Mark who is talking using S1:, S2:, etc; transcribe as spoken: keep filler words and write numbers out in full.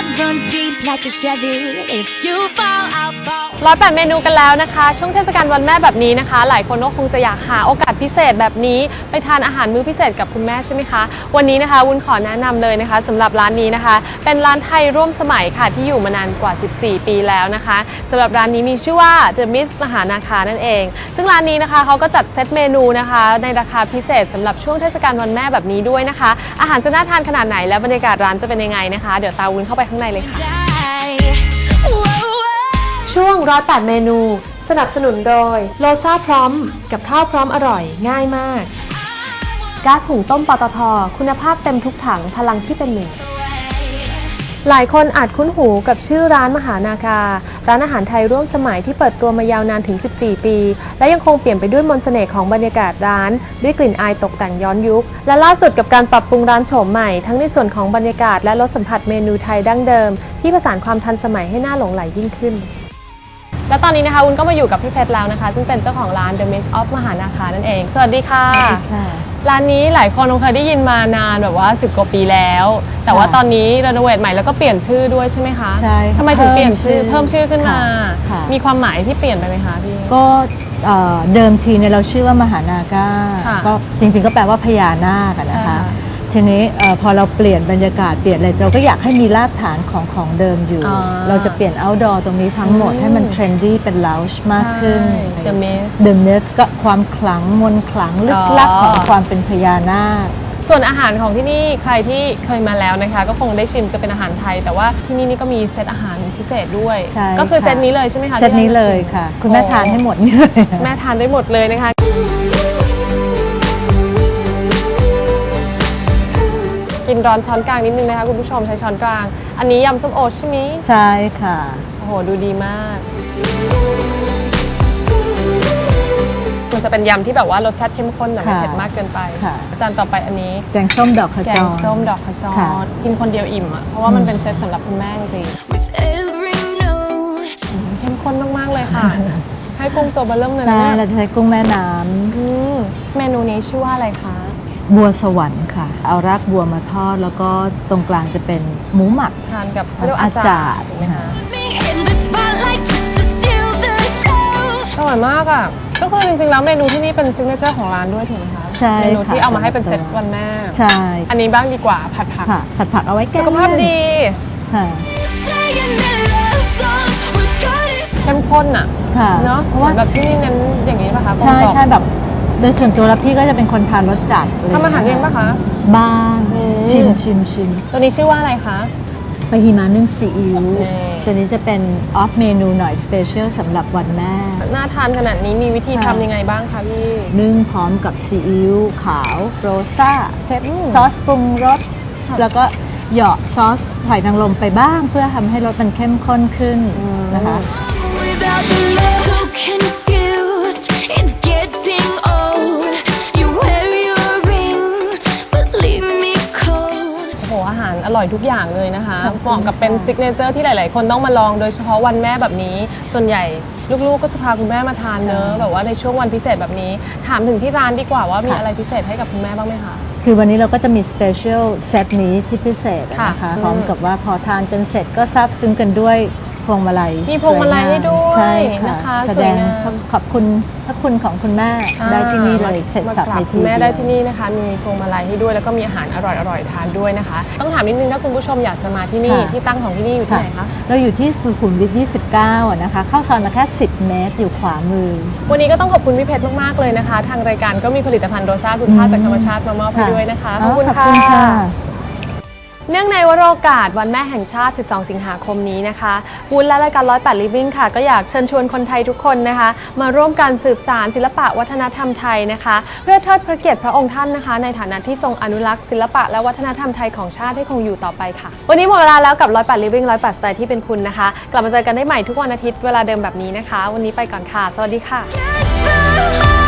S1: runs deep like a Chevy. If you fall, I'll fall.
S2: ร้อยแปดเมนูกันแล้วนะคะช่วงเทศกาลวันแม่แบบนี้นะคะหลายคนก็คงจะอยากหาโอกาสพิเศษแบบนี้ไปทานอาหารมื้อพิเศษกับคุณแม่ใช่ไหมคะวันนี้นะคะวุ้นขอแนะนำเลยนะคะสำหรับร้านนี้นะคะเป็นร้านไทยร่วมสมัยค่ะที่อยู่มานานกว่าสิบสี่ปีแล้วนะคะสำหรับร้านนี้มีชื่อว่า The Myth มหานาคานั่นเองซึ่งร้านนี้นะคะเขาก็จัดเซตเมนูนะคะในราคาพิเศษสำหรับช่วงเทศกาลวันแม่แบบนี้ด้วยนะคะอาหารจะน่าทานขนาดไหนและบรรยากาศร้านจะเป็นยังไงนะคะเดี๋ยวตามวุ้นเข้าไปข้างในเลยค่ะช่วงร้อยแปดเมนูสนับสนุนโดยโลซ่าพร้อมกับข้าวพร้อมอร่อยง่ายมากก๊าซหุงต้มปตท.คุณภาพเต็มทุกถังพลังที่เป็นหนึ่งหลายคนอาจคุ้นหูกับชื่อร้านมหานาคาร้านอาหารไทยร่วมสมัยที่เปิดตัวมายาวนานถึงสิบสี่ปีและยังคงเปลี่ยนไปด้วยมนต์เสน่ห์ของบรรยากาศร้านด้วยกลิ่นอายตกแต่งย้อนยุคและล่าสุดกับการปรับปรุงร้านโฉมใหม่ทั้งในส่วนของบรรยากาศและรสสัมผัสเมนูไทยดั้งเดิมที่ผสานความทันสมัยให้น่าหลงไหลยิ่งขึ้นและตอนนี้นะคะวุ้นก็มาอยู่กับพี่เพชรแล้วนะคะซึ่งเป็นเจ้าของร้าน The Myth of มหานาคานั่นเองสวัสดีค่ะร้านนี้หลายคนคงเคยได้ยินมานานแบบว่าสิบกว่าปีแล้วแต่ว่าตอนนี้รีโนเวทใหม่แล้วก็เปลี่ยนชื่อด้วยใช่ไหมคะ
S3: ใช่
S2: ทำไมถึงเปลี่ยนชื่อเพิ่มชื่อขึ้นมามีความหมายที่เปลี่ยนไปไหมคะพี่
S3: ก็เดิมทีเนี่ยเราชื่อว่ามหานาคาก็จริงๆก็แปลว่าพญานาคนะคะทีนี้พอเราเปลี่ยนบรรยากาศเปลี่ยนอะไรเราก็อยากให้มีรากฐานของของเดิมอยู่เราจะเปลี่ยน outdoor ตรงนี้ทั้งหมดให้มัน trendy เป็น lounge มากขึ้น
S2: The Myth
S3: The Myth ก็ความขลังมนต์ขลังลึกลับของความเป็นพญานาค
S2: ส่วนอาหารของที่นี่ใครที่เคยมาแล้วนะคะก็คงได้ชิมจะเป็นอาหารไทยแต่ว่าที่นี่นี่ก็มีเซตอาหารพิเศษด้วยก็คือเซตนี้เลยใช่ไหมคะ
S3: เซตนี้เลยค่ะคุณแม่ทานให้หมดนี่เลย
S2: แม่ทานได้หมดเลยนะคะกินร้อนช้อนกลางนิดนึงนะคะคุณผู้ชมใช้ช้อนกลางอันนี้ยำส้มโอใช่ไหม
S3: ใช่ค่ะ
S2: โอ้โหดูดีมากมันจะเป็นยำที่แบบว่ารสชาติเข้มข้นแต่ไม่เผ็ดมากเกินไปจานต่อไปอันนี้
S3: แกงส้มดอกขจร
S2: แกงส้มดอกขจรกินคนเดียวอิ่มอ่ะเพราะว่ามันเป็นเซตสำหรับคุณแม่จริงเข้มข้นมากๆเลยค่ะให้กุ้งตัวเบลเริ่มเลยนะ
S3: เราจะใช้กุ้งแม่น้ำ
S2: เมนูนี้ชื่อว่าอะไรคะ
S3: บัวสวรรค์ค่ะเอารากบัวมาทอดแล้วก็ตรงกลางจะเป็นหมูหมัก
S2: ทานกับเรียกว่าอาจารย์ถูกไหมคะอร่อยมากอ่ะก็คือจริงๆแล้วเมนูที่นี่เป็นซิกเนเจอร์ของร้านด้วยถูกไหมคะ
S3: ใช่
S2: เมนูที่เอามาให้เป็นเซตวันแม่
S3: ใช่
S2: อันนี้บ้างดีกว่าผัดผัก
S3: ผัดผักเอาไว้แก้
S2: สุขภาพดีเข้มข้นอ่ะเนาะเพราะว่าแบบที่นี่เน้นอย่างนี้ป่ะคะ
S3: ใช่ใช่แบบโดยส่วนตัวแล้วพี่ก็จะเป็นคนทานรสจัด
S2: ทำอาหารเองป่ะคะ
S3: บ้างชิมชิมชิม
S2: ตัวนี้ชื่อว่าอะไรคะ
S3: ปาฮิมานึ่งซีอิ๊วตัวนี้จะเป็นออฟเมนูหน่อยสเปเชียลสำหรับวันแม่
S2: น่าทานขนาดนี้มีวิธีทำยังไงบ้างคะพี่
S3: นึ่งพร้อมกับซีอิ๊วขาวโรซ่าซอสปรุงรสแล้วก็เหยาะซอสหอยนางรมไปบ้างเพื่อทำให้รสมันเข้มข้นขึ้นนะคะ
S2: อร่อยทุกอย่างเลยนะคะเหมาะกับเป็นซิกเนเจอร์ที่หลายๆคนต้องมาลองโดยเฉพาะวันแม่แบบนี้ส่วนใหญ่ลูกๆก็จะพาคุณแม่มาทานเนอะแบบว่าในช่วงวันพิเศษแบบนี้ถามถึงที่ร้านดีกว่าว่ามีอะไรพิเศษให้กับคุณแม่บ้างไหมคะ
S3: คือวันนี้เราก็จะมีสเปเชียลเซตนี้ที่พิเศษนะคะพร้อมกับว่าพอทานกันเสร็จก็ซาบซึ้งกันด้วยพวงมาลัย
S2: มีพวงมาลัยให้ด้วยนะคะ
S3: แสดงขอบคุณพระคุณของคุณแม่ได้ที่นี่เลยเสร็จสับในที่
S2: แม่ได้ที่นี่นะคะมีพวงมาลัยให้ด้วยแล้วก็มีอาหารอร่อยๆทานด้วยนะคะต้องถามนิดนึงถ้าคุณผู้ชมอยากจะมาที่นี่ที่ตั้งของที่นี่อยู่ที่ไหนคะ
S3: เราอยู่ที่สุขุมวิทยี่สิบเก้านะคะเข้าซอยมาแค่สิบเมตรอยู่ขวามือ
S2: วันนี้ก็ต้องขอบคุณพี่เพชรมากๆเลยนะคะทางรายการก็มีผลิตภัณฑ์โรซ่าคุณค่าจากธรรมชาติมามอบให้ด้วยนะคะขอบคุณค่ะเนื่องในวโรกาสวันแม่แห่งชาติสิบสองสิงหาคมนี้นะคะวุ้นและรายการร้อยแปด Living ค่ะก็อยากเชิญชวนคนไทยทุกคนนะคะมาร่วมกันสืบสานศิลปะวัฒนธรรมไทยนะคะเพื่อเทิดพระเกียรติพระองค์ท่านนะคะในฐานะที่ทรงอนุรักษ์ศิลปะและวัฒนธรรมไทยของชาติให้คงอยู่ต่อไปค่ะวันนี้หมดเวลาแล้วกับร้อยแปด Living ร้อยแปดสไตล์ที่เป็นคุณนะคะกลับมาเจอกันได้ใหม่ทุกวันอาทิตย์เวลาเดิมแบบนี้นะคะวันนี้ไปก่อนค่ะสวัสดีค่ะ